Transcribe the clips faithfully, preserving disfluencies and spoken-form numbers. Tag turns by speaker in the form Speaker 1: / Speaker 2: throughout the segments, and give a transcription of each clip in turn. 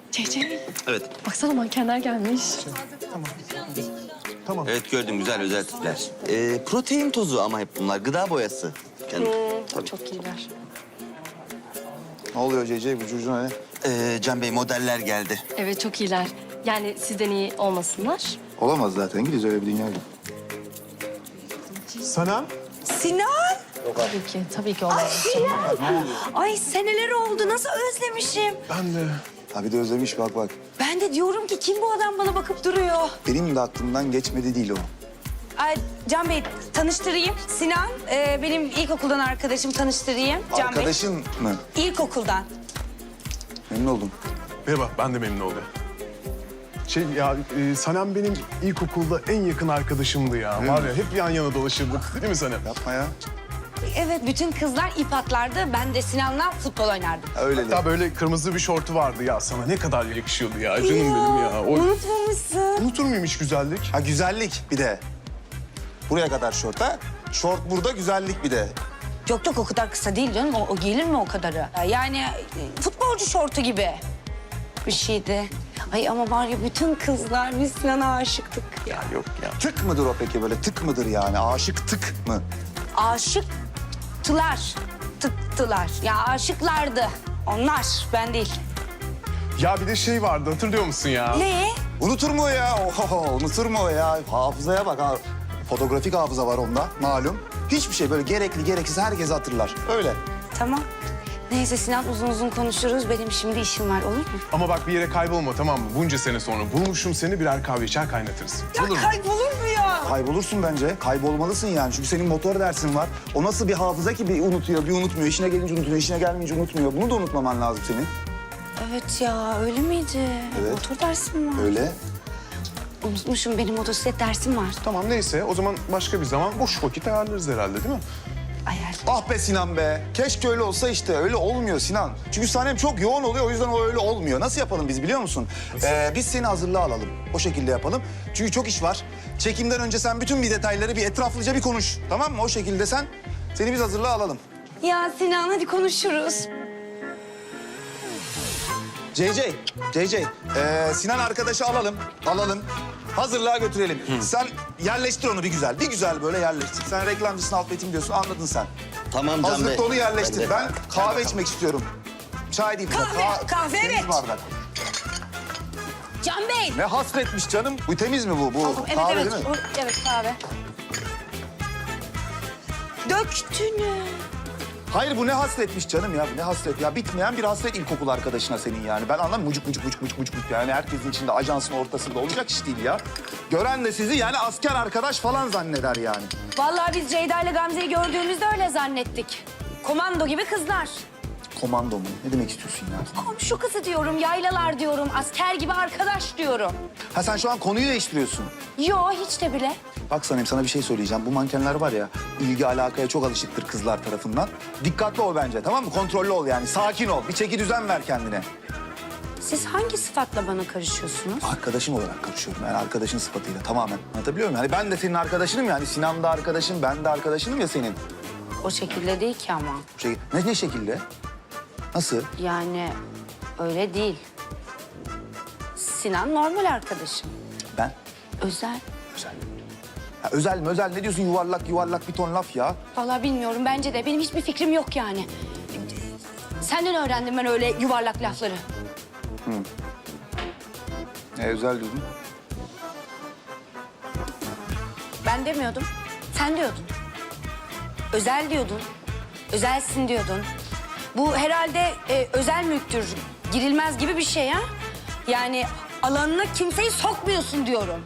Speaker 1: Cece.
Speaker 2: Evet.
Speaker 1: Baksana mankenler gelmiş.
Speaker 3: Tamam. Tamam.
Speaker 2: Evet gördüm güzel özel tipler. Ee, protein tozu ama hep bunlar. Gıda boyası. Yani, tabii.
Speaker 1: Çok iyiler.
Speaker 3: Ne oluyor Cece? Bu çocuğuna ne?
Speaker 2: Ee, Can Bey modeller geldi.
Speaker 1: Evet çok iyiler. Yani sizden iyi olmasınlar.
Speaker 3: Olamaz zaten. İngiliz öyle bir dünya yok.
Speaker 4: Sana?
Speaker 5: Sinan!
Speaker 1: Tabii ki, tabii ki olmaz.
Speaker 5: Ay seneler oldu. Nasıl özlemişim.
Speaker 4: Ben de.
Speaker 3: Ha bir de özlemiş bak bak.
Speaker 5: Ben de diyorum ki kim bu adam bana bakıp duruyor.
Speaker 3: Benim de aklımdan geçmedi değil o.
Speaker 5: Ay Can Bey tanıştırayım. Sinan e, benim ilkokuldan arkadaşım tanıştırayım. Can
Speaker 3: Arkadaşın mı?
Speaker 5: Bey. İlkokuldan.
Speaker 3: Memnun oldum.
Speaker 4: Merhaba, ben de memnun oldum. Şey ya, e, Sanem benim ilkokulda en yakın arkadaşımdı ya.
Speaker 3: Değil
Speaker 4: Var
Speaker 3: mi?
Speaker 4: ya, hep yan yana dolaşırdık. Değil mi Sanem?
Speaker 3: Yapma ya.
Speaker 5: Evet bütün kızlar ip atlardı. Ben de Sinan'la futbol oynardım.
Speaker 3: Ha, öyle de.
Speaker 4: Hatta böyle kırmızı bir şortu vardı ya sana. Ne kadar yakışıyordu ya. Canım benim ya. O...
Speaker 5: Unutmamışsın.
Speaker 4: Unutur muyum hiç güzellik?
Speaker 3: Ha güzellik bir de. Buraya kadar şort ha. Şort burada, güzellik bir de.
Speaker 5: Yok yok o kadar kısa değil canım. O, o giyilir mi o kadarı? Yani e, futbolcu şortu gibi bir şeydi. Ay ama var ya bütün kızlar biz Sinan'a aşıktık ya.
Speaker 4: Yok ya.
Speaker 3: Tık mıdır o peki böyle? Tık mıdır yani? Aşık tık mı?
Speaker 5: Aşıktılar. Tıktılar. Ya aşıklardı. Onlar, ben değil.
Speaker 4: Ya bir de şey vardı, hatırlıyor musun ya?
Speaker 5: Ne?
Speaker 3: Unutur mu o ya? Oho, unutur mu o ya? Hafızaya bak ha. Fotoğrafik hafıza var onda malum. Hiçbir şey böyle gerekli gereksiz herkes hatırlar. Öyle.
Speaker 5: Tamam. Neyse Sinan uzun uzun konuşuruz. Benim şimdi işim var olur mu?
Speaker 4: Ama bak bir yere kaybolma tamam mı? Bunca sene sonra bulmuşum seni, birer kahve içer kaynatırız.
Speaker 5: Ya kaybolur mu ya?
Speaker 3: Kaybolursun bence. Kaybolmalısın yani. Çünkü senin motor dersin var. O nasıl bir hafıza ki bir unutuyor, bir unutmuyor. İşine gelince unutuyor, işine gelmeyince unutmuyor. Bunu da unutmaman lazım senin.
Speaker 5: Evet ya öyle miydi?
Speaker 3: Evet.
Speaker 5: Motor dersim var.
Speaker 3: Öyle.
Speaker 5: Unutmuşum benim motosiklet dersim var.
Speaker 4: Tamam neyse, o zaman başka bir zaman boş vakit ayarlarız herhalde değil mi?
Speaker 5: Ayar.
Speaker 3: Ah be Sinan be. Keşke öyle olsa işte. Öyle olmuyor Sinan. Çünkü sahnem çok yoğun oluyor. O yüzden o öyle olmuyor. Nasıl yapalım biz biliyor musun? Ee, biz seni hazırlığa alalım. O şekilde yapalım. Çünkü çok iş var. Çekimden önce sen bütün bir detayları bir etraflıca bir konuş. Tamam mı? O şekilde sen seni biz hazırlığa alalım.
Speaker 5: Ya Sinan hadi konuşuruz.
Speaker 3: C C, C C. Ee, Sinan arkadaşı alalım. Alalım. Hazırlığa götürelim. Sen yerleştir onu bir güzel. Bir güzel böyle yerleştir. Sen reklamcısın, alt metin diyorsun. Anladın sen.
Speaker 2: Tamam Can Bey.
Speaker 3: Hazırlıkta onu yerleştir.
Speaker 2: Ben
Speaker 3: Ben,
Speaker 2: de-
Speaker 3: kahve içmek istiyorum. Çay değil. bize.
Speaker 5: Kahve, kahve,
Speaker 3: temiz
Speaker 5: evet.
Speaker 3: bardak.
Speaker 5: Can Bey.
Speaker 3: Ne hasretmiş canım. Bu temiz mi bu? Bu
Speaker 5: Evet
Speaker 3: kahve
Speaker 5: evet.
Speaker 3: değil mi?
Speaker 5: O- evet kahve. Döktünü.
Speaker 3: Hayır bu ne hasretmiş canım ya. Bu ne hasret ya. Bitmeyen bir hasret ilkokul arkadaşına senin yani. Ben anlamam mucuk mucuk mucuk mucuk mucuk. mucuk. Yani herkesin içinde ajansın ortasında olacak iş değil ya. Gören de sizi yani asker arkadaş falan zanneder yani.
Speaker 5: Vallahi biz Ceyda ile Gamze'yi gördüğümüzde öyle zannettik. Komando gibi kızlar.
Speaker 3: Komando mu? Ne demek istiyorsun ya?
Speaker 5: Komşu kızı diyorum, yaylalar diyorum, asker gibi arkadaş diyorum.
Speaker 3: Ha sen şu an konuyu değiştiriyorsun.
Speaker 5: Yo hiç de bile.
Speaker 3: Bak Sanem sana bir şey söyleyeceğim. Bu mankenler var ya ilgi alakaya çok alışıktır kızlar tarafından. Dikkatli ol bence tamam mı? Kontrollü ol yani. Sakin ol. Bir çeki düzen ver kendine.
Speaker 5: Siz hangi sıfatla bana karışıyorsunuz?
Speaker 3: Arkadaşım olarak karışıyorum yani arkadaşın sıfatıyla tamamen. Anlatabiliyor muyum? Hani ben de senin arkadaşınım yani. Sinan da arkadaşın, ben de arkadaşınım ya senin.
Speaker 5: O şekilde değil ki ama.
Speaker 3: Şey, ne, ne şekilde? Nasıl?
Speaker 5: Yani öyle değil. Sinan normal arkadaşım.
Speaker 3: Ben?
Speaker 5: Özel.
Speaker 3: Özel. Ya özel mi özel ne diyorsun yuvarlak yuvarlak bir ton laf ya.
Speaker 5: Vallahi bilmiyorum bence de. Benim hiçbir fikrim yok yani. Senden öğrendim ben öyle yuvarlak lafları.
Speaker 3: Ne özel diyordun?
Speaker 5: Ben demiyordum. Sen diyordun. Özel diyordun. Özelsin diyordun. Bu herhalde e, özel mülktür. Girilmez gibi bir şey ha. Yani alanına kimseyi sokmuyorsun diyorum.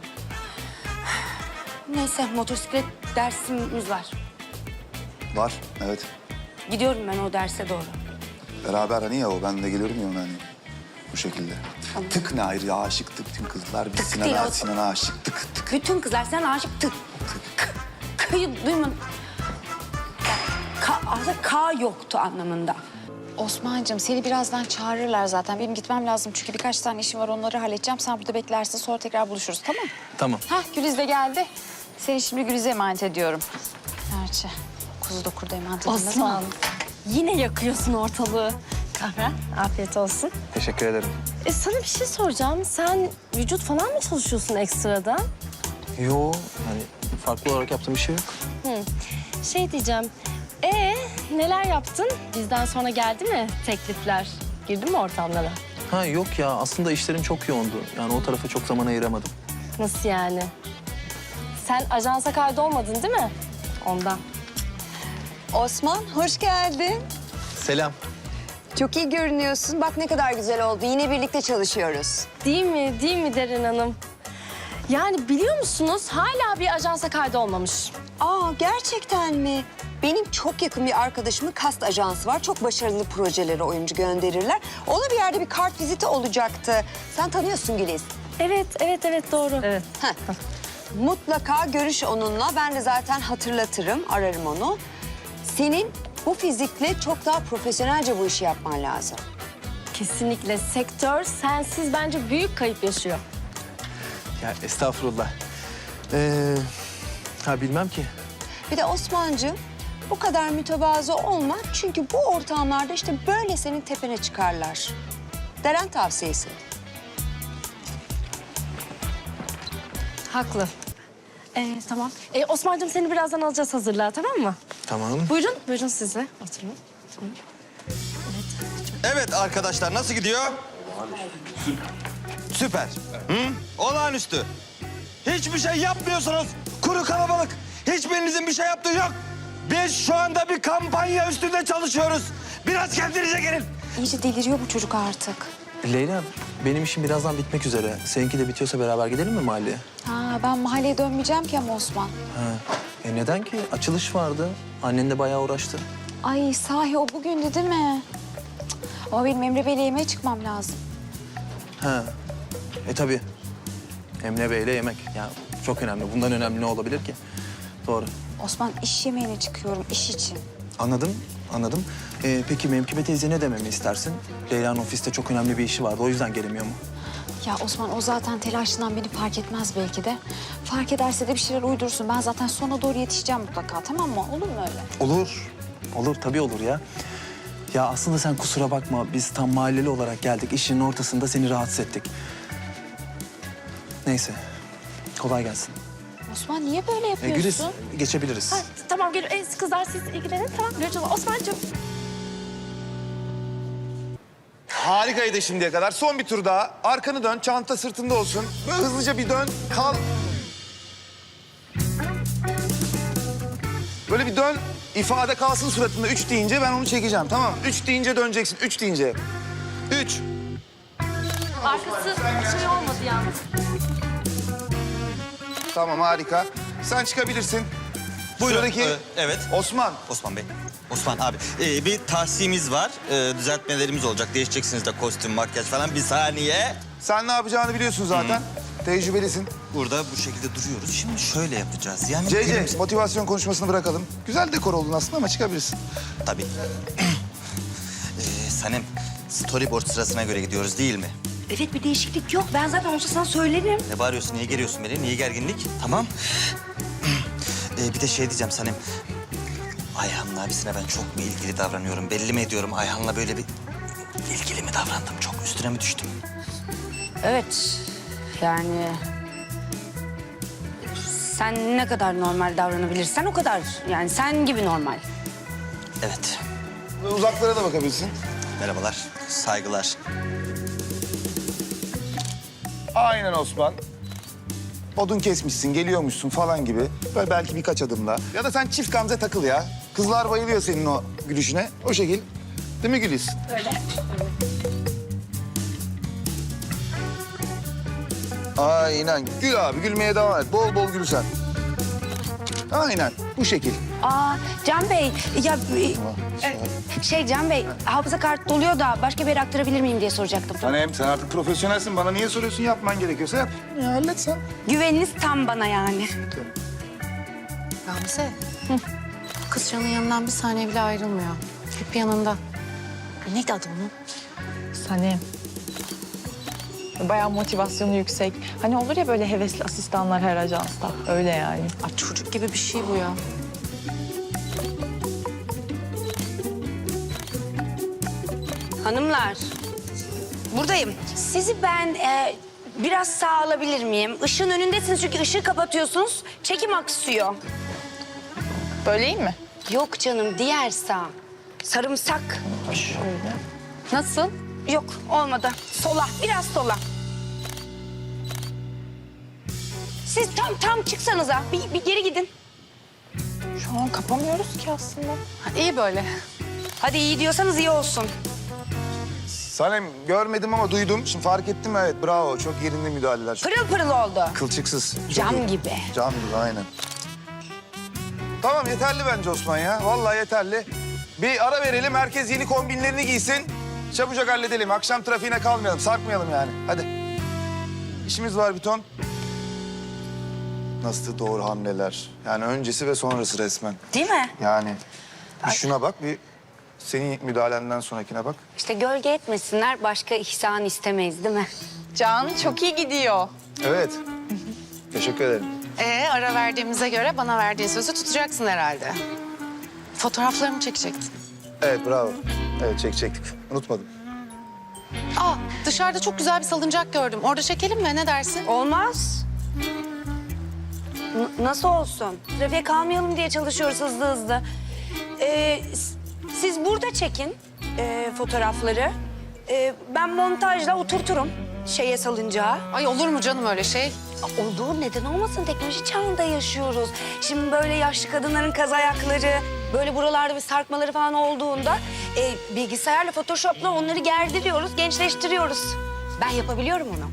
Speaker 5: Neyse motosiklet dersimiz var.
Speaker 3: Var evet.
Speaker 5: Gidiyorum ben o derse doğru.
Speaker 3: Beraber hani ya o ben de geliyorum ya ona hani. Bu şekilde.
Speaker 5: Tamam.
Speaker 3: Tık ne ayrı ya aşıktık tüm kızlar. Biz
Speaker 5: Tık değil
Speaker 3: Sinan'a
Speaker 5: o.
Speaker 3: Sinan'a aşık tık tık.
Speaker 5: Bütün kızlar sen aşıktın. K'yı duymadın. K, aslında K yoktu anlamında.
Speaker 6: Osman'cığım seni birazdan çağırırlar zaten. Benim gitmem lazım çünkü birkaç tane işim var onları halledeceğim. Sen burada beklersin sonra tekrar buluşuruz tamam mı?
Speaker 2: Tamam.
Speaker 6: Hah Güliz de geldi. Seni şimdi Güliz'e emanet ediyorum. Gerçi kuzu da kurda emanet edilmez
Speaker 1: Aslan.
Speaker 6: ama.
Speaker 1: Yine yakıyorsun ortalığı. Kahve, afiyet olsun.
Speaker 3: Teşekkür ederim.
Speaker 1: E sana bir şey soracağım. Sen vücut falan mı çalışıyorsun ekstradan?
Speaker 7: Yo, hani farklı olarak yaptığım bir şey yok.
Speaker 1: Hı. Şey diyeceğim. E neler yaptın? Bizden sonra geldi mi teklifler? Girdin mi ortamlara?
Speaker 7: Ha yok ya, aslında işlerim çok yoğundu. Yani o tarafa çok zaman ayıramadım.
Speaker 1: Nasıl yani? Sen ajansa kaydolmadın değil mi? Ondan.
Speaker 8: Osman, hoş geldin.
Speaker 7: Selam.
Speaker 8: Çok iyi görünüyorsun. Bak ne kadar güzel oldu. Yine birlikte çalışıyoruz.
Speaker 1: Değil mi? Değil mi Derin Hanım? Yani biliyor musunuz hala bir ajansa kaydolmamış.
Speaker 8: Aa, gerçekten mi? Benim çok yakın bir arkadaşımın kast ajansı var. Çok başarılı projelere oyuncu gönderirler. Ona bir yerde bir kart viziti olacaktı. Sen tanıyorsun Güliz.
Speaker 1: Evet, evet, evet doğru. Evet.
Speaker 8: Heh. Mutlaka görüş onunla. Ben de zaten hatırlatırım, ararım onu. Senin bu fizikle çok daha profesyonelce bu işi yapman lazım.
Speaker 1: Kesinlikle sektör sensiz bence büyük kayıp yaşıyor.
Speaker 7: Ya estağfurullah. Ee, ha bilmem ki.
Speaker 8: Bir de Osman'cığım bu kadar mütevazı olma. Çünkü bu ortamlarda işte böyle senin tepene çıkarlar. Deren tavsiyesi.
Speaker 1: Haklı. Ee, tamam. Ee, Osman'cığım seni birazdan alacağız hazırlığa tamam mı?
Speaker 7: Tamam.
Speaker 1: Buyurun, buyurun siz de oturun. Tamam.
Speaker 2: Evet arkadaşlar nasıl gidiyor? Süper. Hı? Olağanüstü. Hiçbir şey yapmıyorsunuz. Kuru kalabalık. Hiçbirinizin bir şey yaptığı yok. Biz şu anda bir kampanya üstünde çalışıyoruz. Biraz kendinize gelin.
Speaker 6: İyice deliriyor bu çocuk artık.
Speaker 7: Leyla, benim işim birazdan bitmek üzere. Seninki de bitiyorsa beraber gidelim mi mahalleye?
Speaker 6: Ha, ben mahalleye dönmeyeceğim ki ama Osman.
Speaker 7: Ha. E neden ki? Açılış vardı. Annen de bayağı uğraştı.
Speaker 6: Ay sahi o bugündü değil mi? Cık, ama benim Emre Bey'le yemeğe çıkmam lazım.
Speaker 7: Ha. E tabii. Emre Bey'le yemek. Ya çok önemli. Bundan önemli ne olabilir ki? Doğru.
Speaker 6: Osman iş yemeğine çıkıyorum iş için.
Speaker 7: Anladım, anladım. Ee, peki Memkibe teyze ne dememi istersin? Leyla'nın ofiste çok önemli bir işi vardı. O yüzden gelemiyor mu?
Speaker 6: Ya Osman o zaten telaşından beni fark etmez belki de. Fark ederse de bir şeyler uydursun. Ben zaten sona doğru yetişeceğim mutlaka tamam mı? Olur mu öyle?
Speaker 7: Olur. Olur, tabii olur ya. Ya aslında sen kusura bakma. Biz tam mahalleli olarak geldik. İşin ortasında seni rahatsız ettik. Neyse. Kolay gelsin.
Speaker 6: Osman niye böyle
Speaker 7: Ee,
Speaker 6: yapıyorsun?
Speaker 7: Güliz, geçebiliriz.
Speaker 1: Ha, tamam gel ee, kızlar siz ilgilenin tamam. Görüşürüz Osman'cığım.
Speaker 3: Harikaydı şimdiye kadar. Son bir tur daha. Arkanı dön, çanta sırtında olsun. Böyle hızlıca bir dön, kal. Böyle bir dön, ifade kalsın suratında. Üç deyince ben onu çekeceğim, tamam mı? Üç deyince döneceksin, üç deyince. Üç.
Speaker 1: Arkası şey olmadı yalnız.
Speaker 3: Tamam, harika. Sen çıkabilirsin.
Speaker 2: Buyurun.
Speaker 3: Sıradaki
Speaker 2: Ee, evet.
Speaker 3: Osman.
Speaker 2: Osman Bey. Osman abi. Ee, bir tahsimiz var. Ee, düzeltmelerimiz olacak. Değişeceksiniz de kostüm, makyaj falan. Bir saniye.
Speaker 3: Sen ne yapacağını biliyorsun zaten. Tecrübelisin.
Speaker 2: Burada bu şekilde duruyoruz. Şimdi şöyle yapacağız. Yani
Speaker 3: C C,
Speaker 2: günümüz-
Speaker 3: motivasyon konuşmasını bırakalım. Güzel dekor oldun aslında ama çıkabilirsin.
Speaker 2: Tabii. ee, Sanem, storyboard sırasına göre gidiyoruz değil mi?
Speaker 5: Evet bir değişiklik yok. Ben zaten olsa sana söylerim.
Speaker 2: Ne bağırıyorsun, niye geriyorsun beni? Niye gerginlik? Tamam. ee, bir de şey diyeceğim Sanem. Ayhan'ın abisine ben çok mu ilgili davranıyorum? Belli mi ediyorum? Ayhan'la böyle bir ilgili mi davrandım? Çok üstüne mi düştüm?
Speaker 5: Evet. Yani... Sen ne kadar normal davranabilirsen o kadar. Yani sen gibi normal.
Speaker 2: Evet.
Speaker 3: Uzaklara da bakabilirsin.
Speaker 2: Merhabalar, saygılar.
Speaker 3: Aynen Osman. Odun kesmişsin, geliyormuşsun falan gibi. Böyle belki birkaç adımla. Ya da sen çift gamze takıl ya. Kızlar bayılıyor senin o gülüşüne. O şekil. Değil mi Güliz? Öyle. Aynen. Gül abi, gülmeye devam et. Bol bol gül sen. Aynen, bu şekil.
Speaker 5: Aa Can Bey, ya e, şey Can Bey, hafıza kartı doluyor da başka bir yere aktarabilir miyim diye soracaktım.
Speaker 3: Sanem, sen artık profesyonelsin. Bana niye soruyorsun? Yapman gerekiyorsa yap. Ya hallet sen.
Speaker 5: Güveniniz tam bana yani.
Speaker 9: Gamze. Kız Can'ın yanından bir saniye bile ayrılmıyor. Hep yanında. Neydi adı onun?
Speaker 10: Sanem. Bayağı motivasyonu yüksek. Hani olur ya böyle hevesli asistanlar her ajansta. Öyle yani.
Speaker 9: Ay çocuk gibi bir şey bu ya.
Speaker 5: Hanımlar, buradayım. Sizi ben e, biraz sağa alabilir miyim? Işığın önündesiniz çünkü ışığı kapatıyorsunuz. Çekim aksıyor.
Speaker 10: Böyle iyi mi?
Speaker 5: Yok canım, diğer sağ. Sarımsak.
Speaker 9: Nasıl?
Speaker 5: Yok, olmadı. Sola, biraz sola. Siz tam tam çıksanıza. Bir, bir geri gidin.
Speaker 10: Şu an kapamıyoruz ki aslında.
Speaker 9: İyi böyle.
Speaker 5: Hadi iyi diyorsanız iyi olsun.
Speaker 3: Sanem görmedim ama duydum. Şimdi fark ettim, evet bravo. Çok yerinde müdahaleler. Çok
Speaker 5: Pırıl pırıl oldu.
Speaker 3: kılçıksız. Çok
Speaker 5: Cam
Speaker 3: iyi.
Speaker 5: gibi.
Speaker 3: Cam gibi aynen. Tamam yeterli bence Osman ya. Vallahi yeterli. Bir ara verelim. Herkes yeni kombinlerini giysin. Çabucak halledelim. Akşam trafiğine kalmayalım. Sarkmayalım yani. Hadi. İşimiz var bir ton. Nasıl doğru hamleler. Yani öncesi ve sonrası resmen.
Speaker 5: Değil mi?
Speaker 3: Yani bir şuna bak, bir senin müdahalenden sonrakine bak.
Speaker 5: İşte gölge etmesinler, başka ihsan istemeyiz değil mi?
Speaker 10: Can çok iyi gidiyor.
Speaker 3: Evet. Teşekkür ederim.
Speaker 9: Ee, ara verdiğimize göre bana verdiğin sözü tutacaksın herhalde. Fotoğraflarımı çekecektin.
Speaker 3: Evet bravo. Evet çekecektik. Unutmadım.
Speaker 9: Aa, dışarıda çok güzel bir salıncak gördüm. Orada çekelim mi? Ne dersin?
Speaker 5: Olmaz. N- nasıl olsun? Trafiğe kalmayalım diye çalışıyoruz hızlı hızlı. Ee, s- siz burada çekin e, fotoğrafları. Ee, ben montajla oturturum şeye salıncağa.
Speaker 9: Ay olur mu canım öyle şey?
Speaker 5: Olduğu neden olmasın, teknoloji çağında yaşıyoruz. Şimdi böyle yaşlı kadınların kaz ayakları, böyle buralarda bir sarkmaları falan olduğunda e, bilgisayarla, Photoshop'la onları gerdiriyoruz, gençleştiriyoruz. Ben yapabiliyorum onu.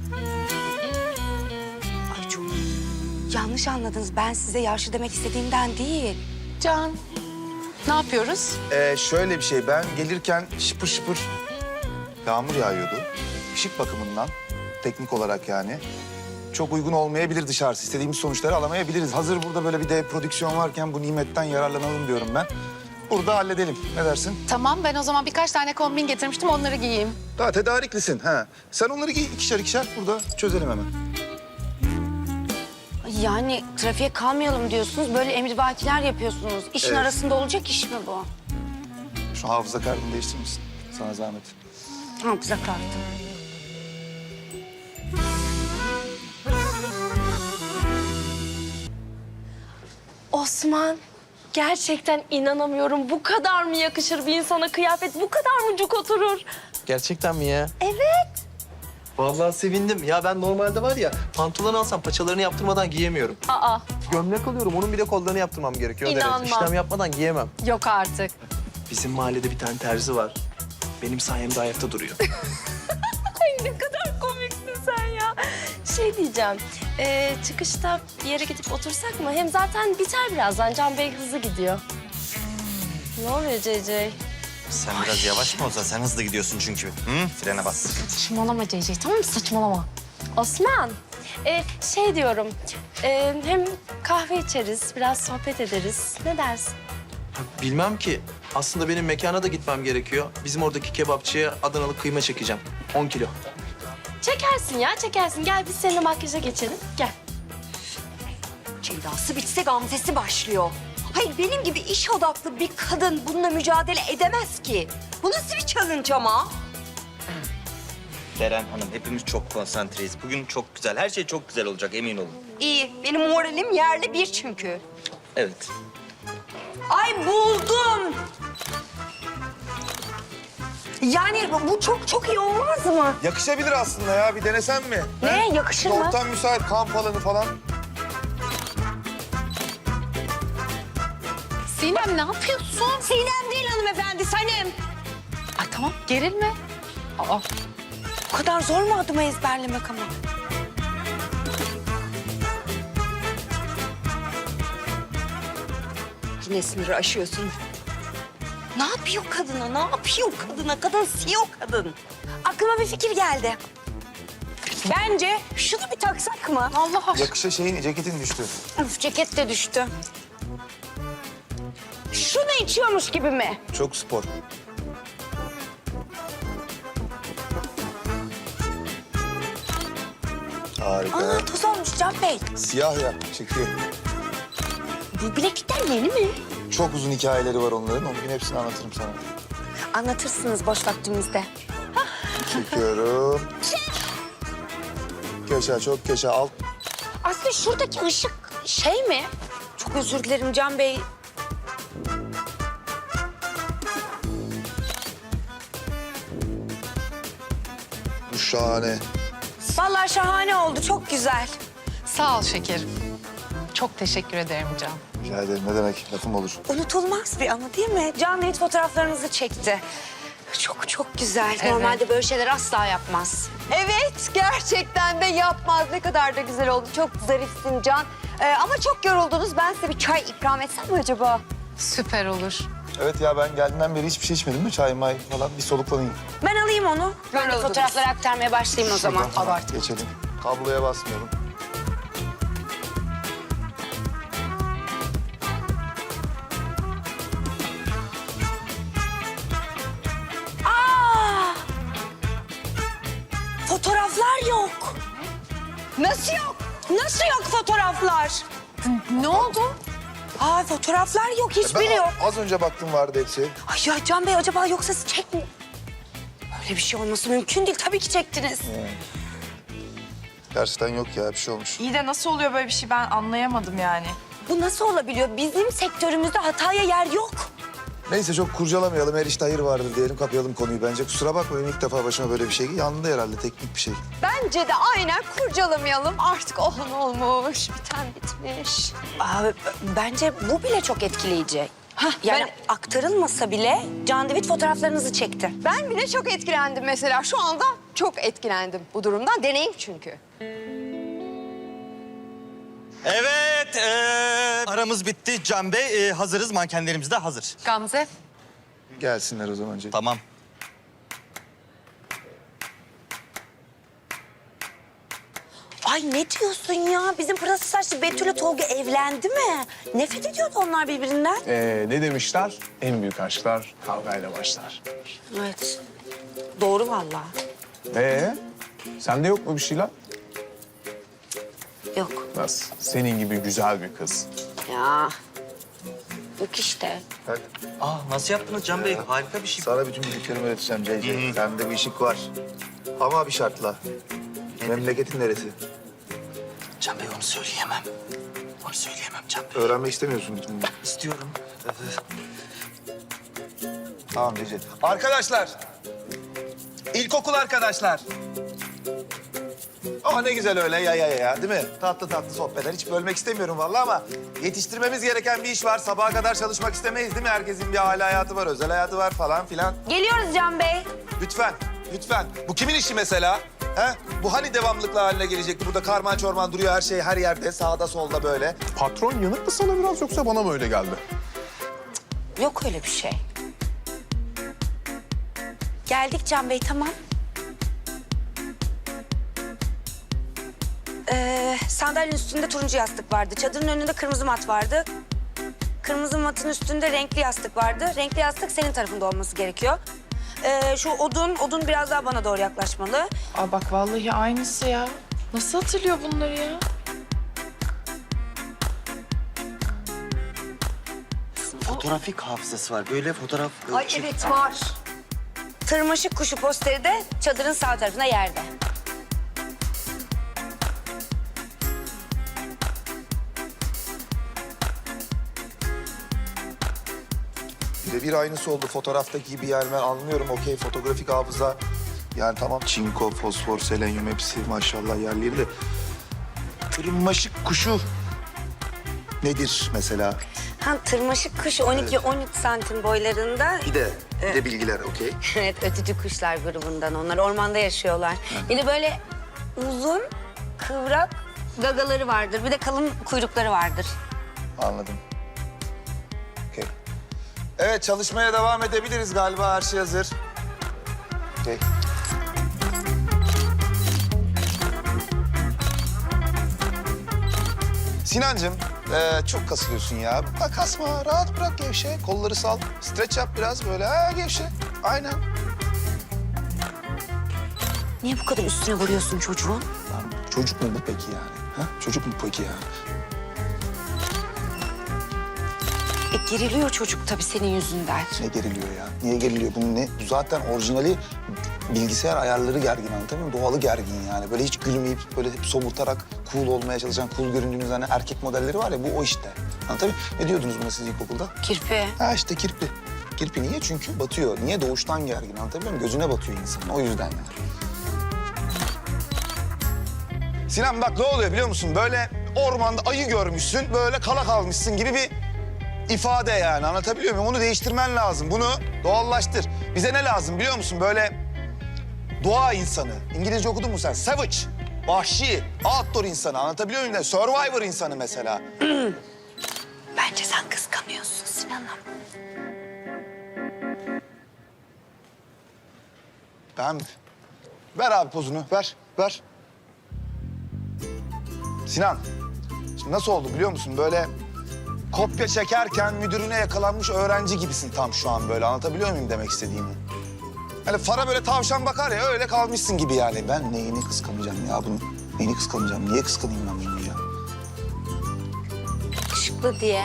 Speaker 5: Ay çok yanlış anladınız. Ben size yaşlı demek istediğimden değil.
Speaker 9: Can, ne yapıyoruz?
Speaker 3: Ee, şöyle bir şey, ben gelirken şıpır şıpır yağmur yağıyordu. Işık bakımından, teknik olarak yani. Çok uygun olmayabilir dışarısı. İstediğimiz sonuçları alamayabiliriz. Hazır burada böyle bir de prodüksiyon varken bu nimetten yararlanalım diyorum ben. Burada halledelim. Ne dersin?
Speaker 9: Tamam, ben o zaman birkaç tane kombin getirmiştim, onları giyeyim.
Speaker 3: Daha tedariklisin. Ha. Sen onları giy ikişer ikişer burada çözelim hemen.
Speaker 5: Yani trafiğe kalmayalım diyorsunuz, böyle emrivakiler yapıyorsunuz. İşin
Speaker 3: Evet.
Speaker 5: arasında olacak iş mi bu?
Speaker 3: Şu hafıza kartını değiştirir misin? Sana zahmet.
Speaker 5: Hafıza kartı.
Speaker 1: Osman, gerçekten inanamıyorum. Bu kadar mı yakışır bir insana kıyafet? Bu kadar mı cuk oturur?
Speaker 7: Gerçekten mi ya?
Speaker 1: Evet.
Speaker 7: Vallahi sevindim. Ya ben normalde var ya pantolon alsam paçalarını yaptırmadan giyemiyorum.
Speaker 1: Aa,
Speaker 7: Gömlek alıyorum, onun bir de kollarını yaptırmam gerekiyor. O derece.
Speaker 1: İnanmam.
Speaker 7: İşlem yapmadan giyemem.
Speaker 1: yok artık.
Speaker 7: Bizim mahallede bir tane terzi var. Benim sayemde ayakta duruyor.
Speaker 1: Ay ne kadar komiksin sen ya. Şey diyeceğim, ee, çıkışta bir yere gidip otursak mı? Hem zaten biter birazdan. Can Bey hızlı gidiyor. Ne oluyor C C?
Speaker 2: Sen biraz yavaş mı olsa? Sen hızlı gidiyorsun çünkü. Hı? Frene bas.
Speaker 1: Saçmalama C C, tamam mı? Saçmalama. Osman, ee, şey diyorum, ee, hem kahve içeriz, biraz sohbet ederiz. Ne dersin?
Speaker 7: Bilmem ki. Aslında benim mekana da gitmem gerekiyor. Bizim oradaki kebapçıya Adanalı kıyma çekeceğim. on kilo.
Speaker 1: Çekersin ya, çekersin. Gel biz seninle makyaja geçelim. Gel.
Speaker 8: Ceydası bitse gamzesi başlıyor. Hayır benim gibi iş odaklı bir kadın bununla mücadele edemez ki. Bu nasıl bir challenge ama?
Speaker 2: Deren Hanım, hepimiz çok konsantreyiz. Bugün çok güzel, her şey çok güzel olacak, emin olun.
Speaker 8: İyi benim moralim yerli bir çünkü.
Speaker 2: Evet.
Speaker 8: Ay buldum. Yani bu çok çok iyi olmaz mı?
Speaker 3: Yakışabilir aslında ya. Bir denesen mi?
Speaker 5: Ne? Yakışır mı?
Speaker 3: Ortam müsait, kamp alanı falan.
Speaker 9: Sinem ne yapıyorsun?
Speaker 8: Sinem değil hanımefendi, Sanem.
Speaker 9: Ay tamam, gerilme. Aa,
Speaker 5: Bu kadar zor mu adımı ezberlemek ama?
Speaker 8: Yine sınırı aşıyorsun. Ne yapıyor kadına? Ne yapıyor kadına? Kadın C E O kadın.
Speaker 5: Aklıma bir fikir geldi. Bence şunu bir taksak mı?
Speaker 9: Allah aşkına.
Speaker 3: Yakışa şeyin, ceketin düştü.
Speaker 5: Üf, ceket de düştü. Şunu içiyormuş gibi mi?
Speaker 3: Çok spor. Harika.
Speaker 5: Aa, toz olmuş Can Bey.
Speaker 3: Siyah ya, çekiyor.
Speaker 5: Bu bileklikler yeni mi?
Speaker 3: Çok uzun hikayeleri var onların. Onun gün hepsini anlatırım sana.
Speaker 5: Anlatırsınız boş vaktimizde. Hah,
Speaker 3: Çekiyorum. Köşe çok köşe alt.
Speaker 5: Aslı şuradaki ışık şey mi? Çok özür dilerim Can Bey.
Speaker 3: Bu şahane.
Speaker 5: Vallahi şahane oldu, çok güzel.
Speaker 9: Sağ ol şekerim. Çok teşekkür ederim Can.
Speaker 3: Rica ederim ne demek lafım olur.
Speaker 5: Unutulmaz bir anı değil mi? Can David fotoğraflarınızı çekti. Çok çok güzel.
Speaker 9: Evet.
Speaker 5: Normalde böyle şeyler asla yapmaz.
Speaker 8: Evet, gerçekten de yapmaz. Ne kadar da güzel oldu. Çok zarifsin Can. Ee, ama çok yoruldunuz. Ben size bir çay ikram etsem mi acaba?
Speaker 9: Süper olur.
Speaker 3: Evet ya ben geldiğimden beri hiçbir şey içmedim mi? Çay may falan bir soluklanayım.
Speaker 5: Ben alayım onu. Ben de
Speaker 8: Yoruldunuz.
Speaker 5: fotoğrafları aktarmaya başlayayım o zaman.
Speaker 3: Şuradan hemen geçelim. Kabloya basmayalım.
Speaker 5: Aa! Fotoğraflar yok. Nasıl yok? Nasıl yok fotoğraflar?
Speaker 9: Ne oldu?
Speaker 5: Aa fotoğraflar yok, hiçbiri
Speaker 3: Ben
Speaker 5: yok.
Speaker 3: az önce baktım vardı hepsi.
Speaker 5: Ay ya Can Bey acaba yoksa siz çekmi? Öyle bir şey olması mümkün değil. Tabii ki çektiniz.
Speaker 3: Gerçekten yok ya bir şey olmuş.
Speaker 10: İyi de nasıl oluyor böyle bir şey ben anlayamadım yani.
Speaker 5: Bu nasıl olabiliyor? Bizim sektörümüzde hataya yer yok.
Speaker 3: Neyse çok kurcalamayalım. Her işte hayır vardır diyelim kapayalım konuyu bence. Kusura bakmayın ilk defa başıma böyle bir şey. Yandı herhalde teknik bir şey.
Speaker 8: Bence de aynen kurcalamayalım. Artık olan olmuş, biten bitmiş.
Speaker 5: Aa, b- bence bu bile çok etkileyici.
Speaker 8: Hah,
Speaker 5: Yani
Speaker 8: ben-
Speaker 5: aktarılmasa bile Can David fotoğraflarınızı çekti.
Speaker 8: Ben bile çok etkilendim mesela. Şu anda çok etkilendim bu durumdan. Deneyim çünkü.
Speaker 2: Evet, ee, aramız bitti Can Bey. Ee, hazırız, mankenlerimiz de hazır.
Speaker 9: Gamze.
Speaker 3: Gelsinler o zaman.
Speaker 2: Tamam.
Speaker 5: Ay ne diyorsun ya? Bizim pırası saçlı Betül'le Tolga evlendi mi? Nefret ediyordu onlar birbirinden.
Speaker 4: Ee, ne demişler? En büyük aşklar kavgayla başlar.
Speaker 5: Evet. Doğru vallahi.
Speaker 4: Ee, sende yok mu bir şeyler?
Speaker 5: Yok.
Speaker 4: Nasıl? Senin gibi güzel bir kız.
Speaker 5: Ya. Yok işte.
Speaker 3: Bak,
Speaker 2: Aa, nasıl yaptınız Can Bey? Harika bir şey.
Speaker 3: sana bütün bildiklerimi öğreteceğim C C. Sende bir işik var. Ama bir şartla. Memleketin neresi?
Speaker 2: Can Bey onu söyleyemem. Onu söyleyemem Can Bey.
Speaker 3: Öğrenmek istemiyorsun bütün bunları.
Speaker 2: İstiyorum.
Speaker 3: Tamam C C.
Speaker 11: Arkadaşlar, ilkokul arkadaşlar.
Speaker 3: Oh ne güzel öyle ya ya ya ya değil mi? Tatlı tatlı sohbetler. Hiç bölmek istemiyorum vallahi ama yetiştirmemiz gereken bir iş var. Sabaha kadar çalışmak istemeyiz değil mi? Herkesin bir aile hayatı var, özel hayatı var falan filan.
Speaker 5: Geliyoruz Can Bey.
Speaker 3: Lütfen, lütfen. Bu kimin işi mesela? He? Bu hani devamlılıkla haline gelecekti? Burada karman çorman duruyor her şey her yerde. Sağda solda böyle.
Speaker 4: Patron yanık mı sana biraz yoksa bana mı öyle geldi?
Speaker 5: Yok öyle bir şey. Geldik Can Bey, tamam. Ee, sandalyenin üstünde turuncu yastık vardı. Çadırın önünde kırmızı mat vardı. Kırmızı matın üstünde renkli yastık vardı. Renkli yastık senin tarafında olması gerekiyor. Ee, şu odun, odun biraz daha bana doğru yaklaşmalı.
Speaker 10: Aa bak vallahi aynısı ya. Nasıl hatırlıyor bunları ya?
Speaker 2: Fotoğrafik hafızası var. Böyle fotoğraf...
Speaker 8: Ay evet var.
Speaker 5: Tırmaşık kuşu posteri de çadırın sağ tarafında yerde.
Speaker 3: Birebir aynısı oldu fotoğraftaki gibi yani ben anlıyorum. Okey fotoğrafik hafıza. Yani tamam çinko, fosfor, selenyum hepsi maşallah yerleri de. Tırmaşık kuşu nedir mesela?
Speaker 5: Ha, tırmaşık kuş on iki on üç santim boylarında.
Speaker 3: Bir de, bir de bilgiler okey.
Speaker 5: Evet, ötücü kuşlar grubundan onlar. Ormanda yaşıyorlar. Bir de böyle uzun, kıvrak gagaları vardır. Bir de kalın kuyrukları vardır.
Speaker 3: Anladım. Okey. Evet çalışmaya devam edebiliriz galiba her şey hazır. Okey. Sinancığım, ee, çok kasılıyorsun ya. Bak kasma, rahat bırak gevşe. Kolları sal, streç yap biraz böyle. Ha gevşe, aynen.
Speaker 5: Niye bu kadar üstüne vuruyorsun çocuğun?
Speaker 3: Lan çocuk mu bu peki yani? Ha? Çocuk mu peki yani?
Speaker 5: E, geriliyor çocuk tabii senin yüzünden.
Speaker 3: Ne geriliyor ya? Niye geriliyor? Bunun ne? Bu zaten orijinali bilgisayar ayarları gergin, anlatabiliyor muyum? Doğalı gergin yani. Böyle hiç gülmeyip böyle hep somurtarak cool olmaya çalışan, cool göründüğünüz hani erkek modelleri var ya, bu o işte. Anlatabiliyor muyum? Ne diyordunuz buna siz ilkokulda?
Speaker 5: Kirpi.
Speaker 3: Ha işte kirpi. Kirpi niye? Çünkü batıyor. Niye? Doğuştan gergin, anlatabiliyor muyum? Gözüne batıyor insan. O yüzden yani. Sinan bak ne oluyor biliyor musun? Böyle ormanda ayı görmüşsün, böyle kala kalmışsın gibi bir ifade yani. Anlatabiliyor muyum? Onu değiştirmen lazım. Bunu doğallaştır. Bize ne lazım biliyor musun? Böyle doğa insanı. İngilizce okudun mu sen? Savage, vahşi, outdoor insanı. Anlatabiliyor muyum? Survivor insanı mesela.
Speaker 5: Bence sen kıskanıyorsun Sinan'ım.
Speaker 3: Ben... Ver abi pozunu, ver, ver. Sinan, şimdi nasıl oldu biliyor musun? Böyle kopya çekerken müdürüne yakalanmış öğrenci gibisin tam şu an böyle. Anlatabiliyor muyum demek istediğimi? Hani fara böyle tavşan bakar ya, öyle kalmışsın gibi yani. Ben neyini kıskanacağım ya bunu? Neyini kıskanacağım? Niye kıskanayım ben bunu ya?
Speaker 5: Yakışıklı diye.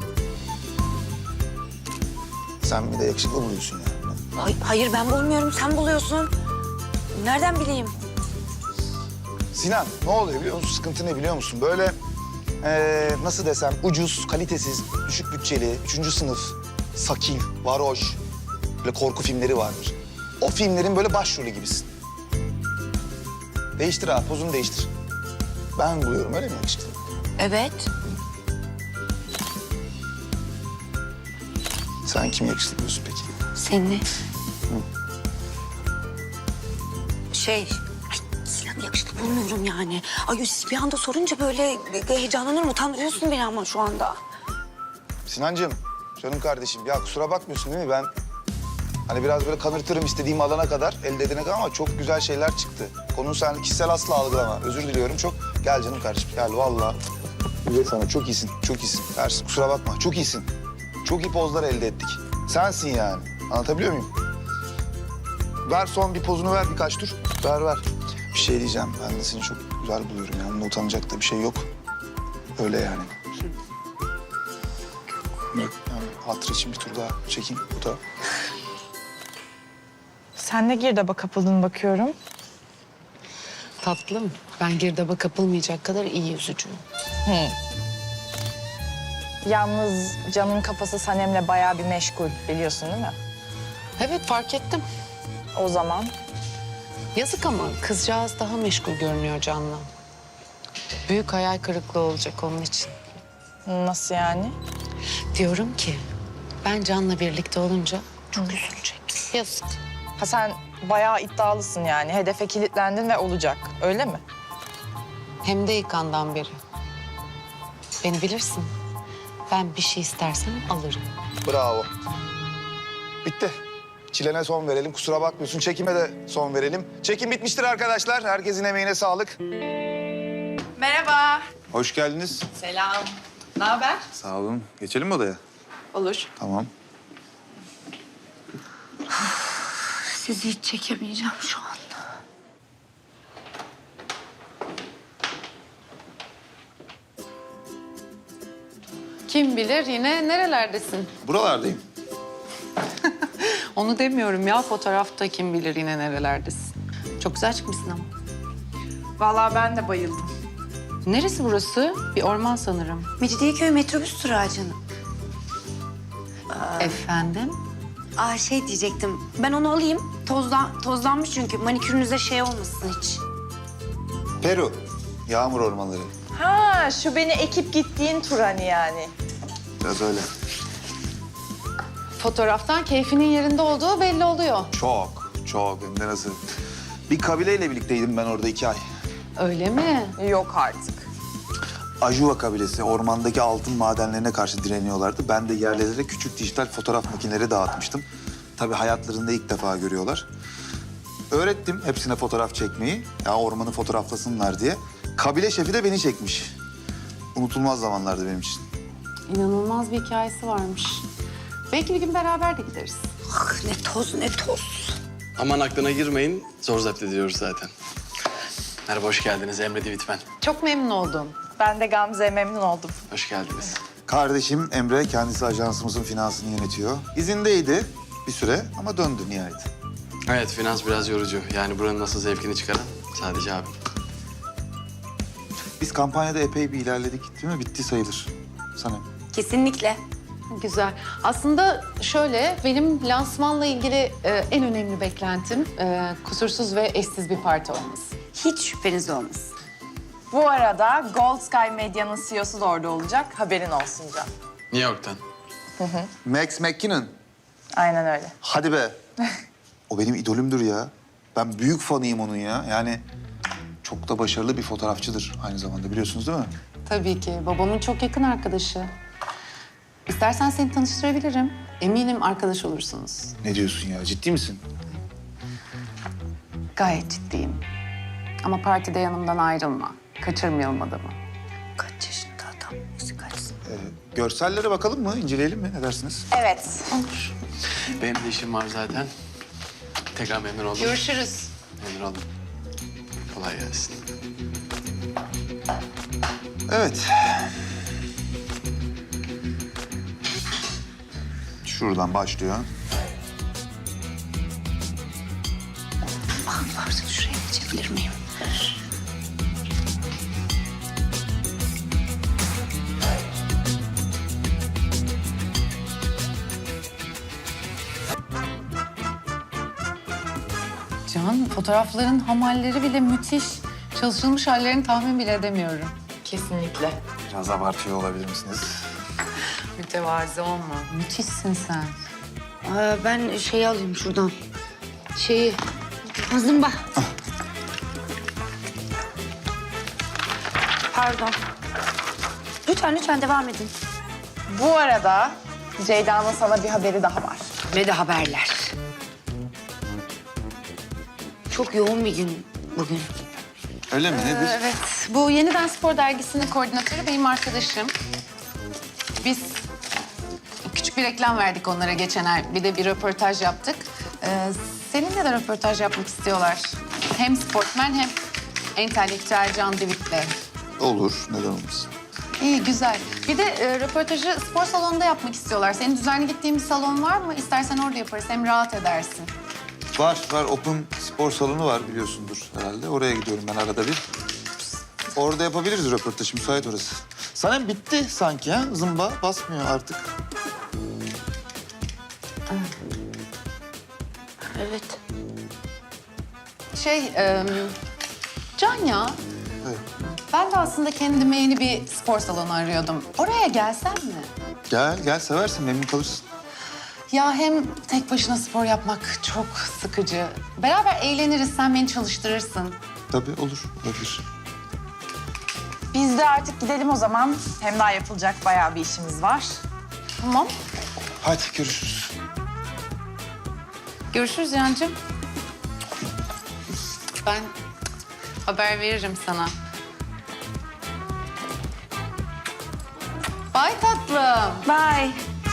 Speaker 3: Sen bir de yakışıklı buluyorsun ya.
Speaker 5: Ay, hayır ben bulmuyorum, sen buluyorsun. Nereden bileyim?
Speaker 3: Sinan, ne oluyor biliyor musun? Sıkıntı ne biliyor musun? Böyle ee, nasıl desem ucuz, kalitesiz, düşük bütçeli, üçüncü sınıf, sakil, varoş, böyle korku filmleri vardır. O filmlerin böyle başrolü gibisin. Değiştir abi, pozunu değiştir. Ben buluyorum, öyle mi yakışıklı?
Speaker 5: Evet.
Speaker 3: Sen kim yakışıklı buluyorsun peki?
Speaker 5: Seni. Şey, ay Sinan yakışıklı bulmuyorum yani. Ay siz bir anda sorunca böyle heyecanlanırım, utandırıyorsun beni ama şu anda.
Speaker 3: Sinancığım, canım kardeşim. Ya kusura bakmıyorsun değil mi? Ben hani biraz böyle kanırtırım istediğim alana kadar, elde edene kadar ama çok güzel şeyler çıktı. Konuyu sen kişisel asla algılama. Özür diliyorum çok. Gel canım kardeşim, gel vallahi. Güzel sana, çok iyisin, çok iyisin. Ters, kusura bakma, çok iyisin. Çok iyi pozlar elde ettik. Sensin yani. Anlatabiliyor muyum? Ver son bir pozunu ver birkaç tur. Ver ver. Bir şey diyeceğim. Ben de seni çok güzel buluyorum. Yani bunda utanacak da bir şey yok. Öyle yani. Yok, yani hatır için bir tur daha çekeyim. Bu da
Speaker 10: Sen de girdaba kapıldın bakıyorum.
Speaker 9: Tatlım, ben girdaba kapılmayacak kadar iyi yüzücüyüm.
Speaker 10: Yalnız Can'ın kafası Sanem'le bayağı bir meşgul biliyorsun değil mi?
Speaker 9: Evet, fark ettim.
Speaker 10: O zaman
Speaker 9: Yazık ama kızcağız daha meşgul görünüyor Can'la. Büyük hayal kırıklığı olacak onun için.
Speaker 10: nasıl yani?
Speaker 9: Diyorum ki ben Can'la birlikte olunca çok üzülecek. Yazık.
Speaker 10: Ha sen bayağı iddialısın yani. Hedefe kilitlendin ve olacak. Öyle mi?
Speaker 9: Hem de ilk andan beri. Beni bilirsin. Ben bir şey istersem alırım.
Speaker 3: bravo. Bitti. Çilene son verelim. Kusura bakmıyorsun. Çekime de son verelim. Çekim bitmiştir arkadaşlar. Herkesin emeğine sağlık.
Speaker 10: Merhaba.
Speaker 3: Hoş geldiniz.
Speaker 10: Selam. Ne haber?
Speaker 3: Sağ olun. Geçelim mi odaya?
Speaker 10: Olur.
Speaker 3: Tamam.
Speaker 5: Sizi hiç çekemeyeceğim şu anda.
Speaker 9: Kim bilir yine nerelerdesin?
Speaker 3: Buralardayım.
Speaker 9: Onu demiyorum ya, fotoğrafta kim bilir yine nerelerdesin. Çok güzel çıkmışsın ama.
Speaker 10: Vallahi ben de bayıldım.
Speaker 9: Neresi burası? Bir orman sanırım.
Speaker 5: Mecidiyeköy metrobüs durağı canım.
Speaker 9: Efendim?
Speaker 5: Aa şey diyecektim. Ben onu alayım. Tozdan, tozlanmış çünkü. Manikürünüze şey olmasın hiç.
Speaker 3: Peru. Yağmur ormanları.
Speaker 10: Ha şu beni ekip gittiğin tur hani yani.
Speaker 3: Biraz öyle.
Speaker 9: Fotoğraftan keyfinin yerinde olduğu belli oluyor.
Speaker 3: Çok, çok. Hem de nasıl? Bir kabileyle birlikteydim ben orada iki ay.
Speaker 9: Öyle mi?
Speaker 10: Yok artık.
Speaker 3: Ajuva kabilesi ormandaki altın madenlerine karşı direniyorlardı. Ben de yerlilere küçük dijital fotoğraf makineleri dağıtmıştım. Tabii hayatlarında ilk defa görüyorlar. Öğrettim hepsine fotoğraf çekmeyi. Ya ormanı fotoğraflasınlar diye. Kabile şefi de beni çekmiş. Unutulmaz zamanlardı benim için.
Speaker 9: İnanılmaz bir hikayesi varmış. Belki bir gün beraber de gideriz.
Speaker 5: Ah ne toz ne toz.
Speaker 12: Aman aklına girmeyin. Zor zapt ediyoruz zaten. Merhaba, hoş geldiniz. Emre Divit ben.
Speaker 9: Çok memnun oldum.
Speaker 10: Ben de Gamze'ye memnun oldum.
Speaker 12: Hoş geldiniz.
Speaker 3: Kardeşim Emre kendisi ajansımızın finansını yönetiyor. İzindeydi bir süre ama döndü nihayet.
Speaker 12: Evet, finans biraz yorucu. Yani buranın nasıl zevkini çıkaran sadece abim.
Speaker 3: Biz kampanyada epey bir ilerledik değil mi? Bitti sayılır Sanem.
Speaker 5: Kesinlikle.
Speaker 9: Güzel. Aslında şöyle, benim lansmanla ilgili e, en önemli beklentim e, kusursuz ve eşsiz bir parti olması.
Speaker 5: Hiç şüpheniz olmasın.
Speaker 10: Bu arada Gold Sky Medya'nın C E O'su da orada olacak. Haberin olsun Can.
Speaker 12: New York'tan.
Speaker 3: Max McKinnon.
Speaker 10: Aynen öyle.
Speaker 3: Hadi be. O benim idolümdür ya. Ben büyük fanıyım onun ya. Yani çok da başarılı bir fotoğrafçıdır aynı zamanda, biliyorsunuz değil mi?
Speaker 9: Tabii ki. Babamın çok yakın arkadaşı. İstersen seni tanıştırabilirim. Eminim arkadaş olursunuz.
Speaker 3: Ne diyorsun ya? Ciddi misin?
Speaker 9: Gayet ciddiyim. Ama partide yanımdan ayrılma. Kaçırmayalım adamı.
Speaker 5: Kaç yaşında adam? Yüzü kaçsın?
Speaker 3: Ee, görsellere bakalım mı? İnceleyelim mi? Ne dersiniz?
Speaker 10: Evet.
Speaker 9: Olur.
Speaker 12: Benim de işim var zaten. Tekrar memnun oldum.
Speaker 9: Görüşürüz.
Speaker 12: Memnun oldum. Kolay gelsin.
Speaker 3: Evet. Şuradan başlıyor.
Speaker 5: Varsa şuraya geçebilir miyim?
Speaker 9: Can, fotoğrafların hamalleri bile müthiş. Çalışılmış hallerini tahmin bile edemiyorum.
Speaker 10: Kesinlikle.
Speaker 3: Biraz abartıyor olabilir misiniz?
Speaker 9: Mütevazi olma. Müthişsin sen.
Speaker 5: Aa, ben şeyi alayım şuradan. Şeyi. Zımba. Pardon. Lütfen lütfen devam edin.
Speaker 10: Bu arada Ceyda'nın sana bir haberi daha var.
Speaker 5: Ve de haberler. Çok yoğun bir gün bugün.
Speaker 3: Öyle mi? Nedir?
Speaker 9: Evet, bu Yeniden Spor Dergisi'nin koordinatörü benim arkadaşım. Biz küçük bir reklam verdik onlara geçen ay. Bir de bir röportaj yaptık. Ee, seninle de röportaj yapmak istiyorlar. Hem sportmen hem entelektüel Can David'le.
Speaker 3: Olur. Neden olmasın?
Speaker 9: İyi, güzel. Bir de e, röportajı spor salonunda yapmak istiyorlar. Senin düzenli gittiğin bir salon var mı? İstersen orada yaparız. Hem rahat edersin.
Speaker 3: Var, var. Open spor salonu var biliyorsundur herhalde. Oraya gidiyorum ben arada bir. Orada yapabiliriz röportajı. Müsait orası. Sanem bitti sanki ha? Zımba basmıyor artık.
Speaker 5: Evet.
Speaker 9: Şey, e, Can ya.
Speaker 3: Evet.
Speaker 9: Ben de aslında kendime yeni bir spor salonu arıyordum. Oraya gelsem mi?
Speaker 3: Gel, gel. Seversin. Memnun kalırsın.
Speaker 9: Ya hem tek başına spor yapmak çok sıkıcı. Beraber eğleniriz, sen beni çalıştırırsın.
Speaker 3: Tabii olur. Olabilir.
Speaker 10: Biz de artık gidelim o zaman. Hem daha yapılacak bayağı bir işimiz var.
Speaker 9: Tamam.
Speaker 3: Hadi görüşürüz.
Speaker 9: Görüşürüz Yancığım. Ben haber veririm sana. Bye tatlım.
Speaker 5: Bye.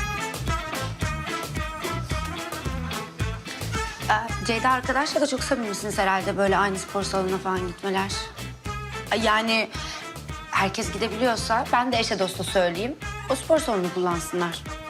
Speaker 5: Ee, Ceyda arkadaşla da çok samimisiniz herhalde böyle aynı spor salonuna falan gitmeler. Ee, Yani herkes gidebiliyorsa ben de eşe dosta söyleyeyim. O spor salonunu kullansınlar.